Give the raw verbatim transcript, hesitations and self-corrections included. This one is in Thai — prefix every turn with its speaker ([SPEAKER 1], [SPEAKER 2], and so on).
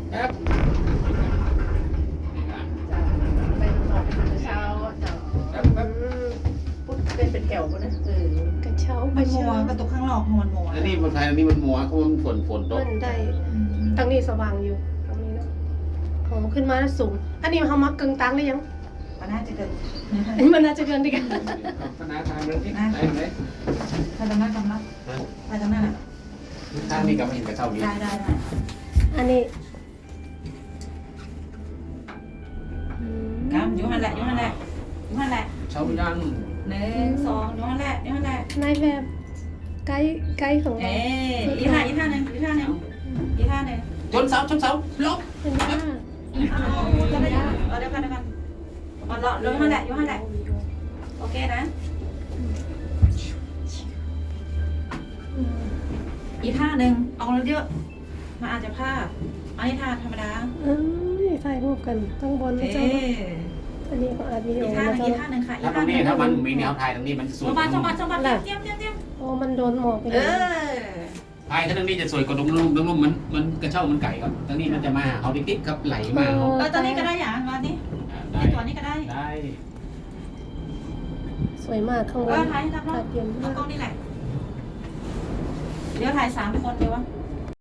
[SPEAKER 1] ครับนี่ครับ
[SPEAKER 2] จ้ะไปนอนเป็นเช้าเจ้า
[SPEAKER 1] ครับครับ
[SPEAKER 2] พุทธเป็นเป็นแถวปะนะเออก
[SPEAKER 3] ระเช้า
[SPEAKER 4] มัน
[SPEAKER 3] ก
[SPEAKER 4] มั
[SPEAKER 3] ระ
[SPEAKER 4] ว
[SPEAKER 3] เช้าก
[SPEAKER 4] ระตุกข้างนอกมันมัว
[SPEAKER 1] อันนี้บนไทยอันนี้มันมัวเขามันฝนฝนตก
[SPEAKER 3] มันได้ตรงนี้สว่างอยู่ตรงนี้เนาะของขึ้นมาสูง อันนี้เขามักกึ่งตังหรือยัง
[SPEAKER 4] มันน่าจะเกิด
[SPEAKER 3] อันนี้มันน่าจะเกินดีกัน
[SPEAKER 1] คณะทางเรื่องที่ไหนไหน
[SPEAKER 4] ถ้าตรงนั้นกำลังถ้าตรงนั้นอ่ะ
[SPEAKER 1] ทางนี้ก็ไม่เห็นกระเท่านี้
[SPEAKER 4] ได้ได้ได้
[SPEAKER 3] อันนี้
[SPEAKER 4] กำอยู่หันแหละอยู่หันแหละอยู่หันแหละ
[SPEAKER 1] เช้ายัง
[SPEAKER 4] หนึ่งสองอยู่หันแหละอยู่หันแหละ
[SPEAKER 3] นายแบบไกด์ไกด์ของ
[SPEAKER 4] เอ๊
[SPEAKER 3] เรา
[SPEAKER 4] อีท่าอีท่าหนึ่งอีท่าหนึ่งอีท่าหนึ่ง
[SPEAKER 1] ชนเสาชนเสาลบ
[SPEAKER 3] เป็นว่า
[SPEAKER 4] เอาจะได้เอาเดี๋ยวกันเดี๋ยวกันเอาเลาะอยู่หันแหละอยู่หันแหละโอเคนะอีท่าหนึ่งเอาเยอะมาอาจจะพลาดอันนี้ท่าธรรมดา
[SPEAKER 3] เอ้ยถ่ายรูปกันต้องบนนะ
[SPEAKER 4] เอ๊
[SPEAKER 3] เจ้าอันนี้ก็อาจวิดี
[SPEAKER 4] อี
[SPEAKER 3] โอ
[SPEAKER 4] ท่าห
[SPEAKER 3] นะ
[SPEAKER 4] นึ่ง
[SPEAKER 3] เจ้า
[SPEAKER 4] อีท่าหนึ่งค่ะอี
[SPEAKER 1] ถ้าตร
[SPEAKER 4] ท่าง ห
[SPEAKER 1] นี้
[SPEAKER 4] นึ่ง
[SPEAKER 1] ถ้ามันมีแนวไทยตรงนี้มันส
[SPEAKER 4] ส
[SPEAKER 1] วย
[SPEAKER 4] มบัติสมบัติสมบัติเตรียมเตรียมเตรียม
[SPEAKER 3] โอ้มันโดนหมอกไป
[SPEAKER 4] เอ
[SPEAKER 3] เลย
[SPEAKER 4] อ
[SPEAKER 1] ไทยถ้าตรงนี้จะสวยกว่าตรงนู้นตรงนู้นมันมันกระเช้ามันไก่ครับตรงนี้มันจะมาเขาติ๊กๆครับไหลมาเขา
[SPEAKER 4] เออตอนนี้ก็ได้อย่างวันนี้
[SPEAKER 1] ได้
[SPEAKER 4] ในตัวนี้ก็ได้
[SPEAKER 1] ได้
[SPEAKER 3] สวยมากข้างบ
[SPEAKER 4] เอน อถ่ายให้รับรอ
[SPEAKER 3] ถ่า
[SPEAKER 4] บ
[SPEAKER 3] ยเตรียม
[SPEAKER 4] เอากล้องนี่แหละเดี๋ยวถ่ายสามคนเดียววะ
[SPEAKER 3] อ